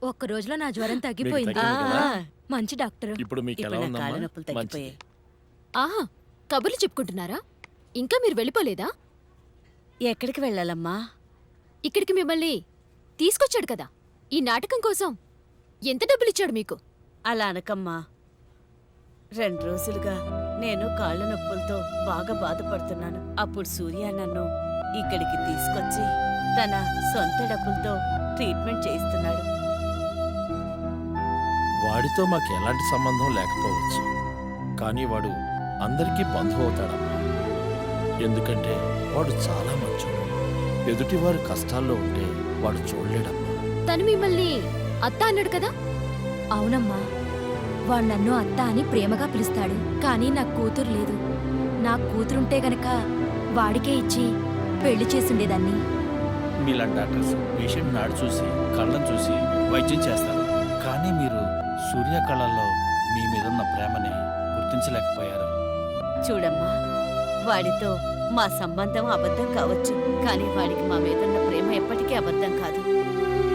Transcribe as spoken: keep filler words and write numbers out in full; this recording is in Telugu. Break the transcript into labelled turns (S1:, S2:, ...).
S1: ఒక్క రోజులో నా జ్వరం తగ్గిపోయింది.
S2: తగ్గింది కదా?
S1: మంచి డాక్టర్.
S2: ఇప్పుడు మీకు ఎలా
S3: ఇప్పుడు నా
S2: ఉందమ్మా?
S3: కాళ్ళ నొప్పులు
S2: మంచిది.
S3: తగ్గిపోయాయి.
S4: ఆహా, కబుర్లు చెప్పుకుంటున్నారా? ఇంకా మీరు వెళ్ళిపోలేదా?
S3: ఎక్కడికి వెళ్ళాలమ్మా?
S4: ఇక్కడికి మిమ్మల్ని తీసుకొచ్చాడు కదా ఈ నాటకం కోసం. ఎంత డబ్బులిచ్చాడు మీకు?
S3: అలా అనకమ్మా. రెండు రోజులుగా నేను కాళ్ళ నొప్పులతో బాగా బాధపడుతున్నాను. అప్పుడు సూర్య నన్ను ఇక్కడికి తీసుకొచ్చి తన సొంత డబ్బులతో ట్రీట్మెంట్ చేయిస్తున్నాడు.
S2: వాడితో మాకు ఎలాంటి సంబంధం లేకపోవచ్చు, కానీ వాడు అందరికీ బంధువు అవుతాడమ్మా. ఎందుకంటే వాడు చాలా మంచోడు. ఎదుటివారి కష్టాల్లో ఉంటే వాడు చూడలేడమ్మా.
S4: తను మిమ్మల్ని అత్త అన్నాడు కదా?
S1: అవునమ్మా, వాడు నన్ను అత్త అని ప్రేమగా పిలుస్తాడు. కానీ నాకు కూతురు లేదు. నాకు కూతురుంటే గనక వాడికే ఇచ్చి పెళ్లి చేసుండేదాన్ని.
S5: మీలాంటి డాక్టర్స్ పేషెంట్ నాడు చూసి కళ్ళను చూసి వైద్యం చేస్తారు, కానీ మీరు సూర్య కళల్లో మీ మీదున్న ప్రేమని గుర్తించలేకపోయారు.
S3: చూడమ్మా, వాడితో మా సంబంధం అబద్ధం కావచ్చు, కానీ వాడికి మా మీదున్న ప్రేమ ఎప్పటికీ అబద్ధం కాదు.